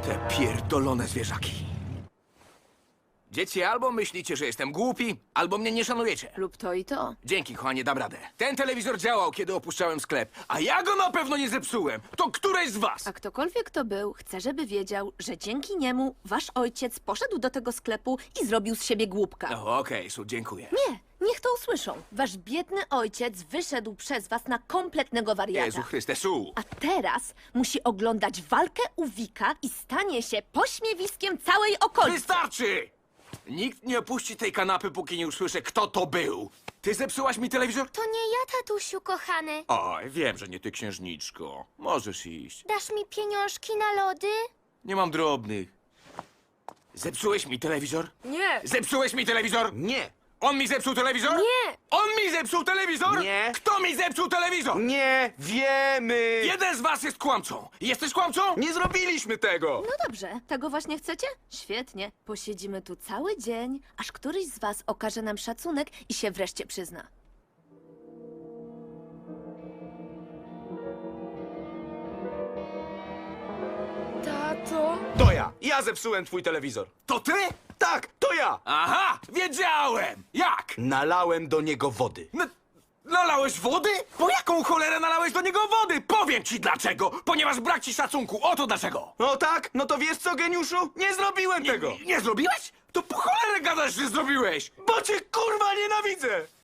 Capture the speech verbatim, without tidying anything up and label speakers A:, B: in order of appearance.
A: Te pierdolone zwierzaki. Dzieci, albo myślicie, że jestem głupi, albo mnie nie szanujecie.
B: Lub to i to.
A: Dzięki, kochanie, dam radę. Ten telewizor działał, kiedy opuszczałem sklep, a ja go na pewno nie zepsułem. To któreś z was?
B: A ktokolwiek to był, chcę, żeby wiedział, że dzięki niemu wasz ojciec poszedł do tego sklepu i zrobił z siebie głupka.
A: O, okej, Su, dziękuję.
B: Nie, niech to usłyszą. Wasz biedny ojciec wyszedł przez was na kompletnego wariata.
A: Jezu Chryste, Su.
B: A teraz musi oglądać walkę u Wika i stanie się pośmiewiskiem całej okolicy.
A: Wystarczy! Nikt nie opuści tej kanapy, póki nie usłyszę, kto to był. Ty zepsułaś mi telewizor?
C: To nie ja, tatusiu kochany.
A: Oj, wiem, że nie ty, księżniczko. Możesz iść.
C: Dasz mi pieniążki na lody?
A: Nie mam drobnych. Zepsułeś mi telewizor?
B: Nie.
A: Zepsułeś mi telewizor?
D: Nie!
A: On mi zepsuł telewizor?
B: Nie.
A: On mi zepsuł telewizor?
D: Nie.
A: Kto mi zepsuł telewizor?
D: Nie wiemy!
A: Jeden z was jest kłamcą. Jesteś kłamcą?
D: Nie zrobiliśmy tego!
B: No dobrze, tego właśnie chcecie? Świetnie. Posiedzimy tu cały dzień, aż któryś z was okaże nam szacunek i się wreszcie przyzna. Tato?
D: To ja! Ja zepsułem twój telewizor!
A: To ty?
D: Tak, to ja!
A: Aha, wiedziałem. Jak?
D: Nalałem do niego wody.
A: N nalałeś wody? Po jaką cholerę nalałeś do niego wody? Powiem ci dlaczego. Ponieważ brak ci szacunku. Oto dlaczego.
D: O tak? No to wiesz co, geniuszu? Nie zrobiłem tego!
A: Nie, nie zrobiłeś? To po cholerę gadasz, że zrobiłeś.
D: Bo cię kurwa nienawidzę!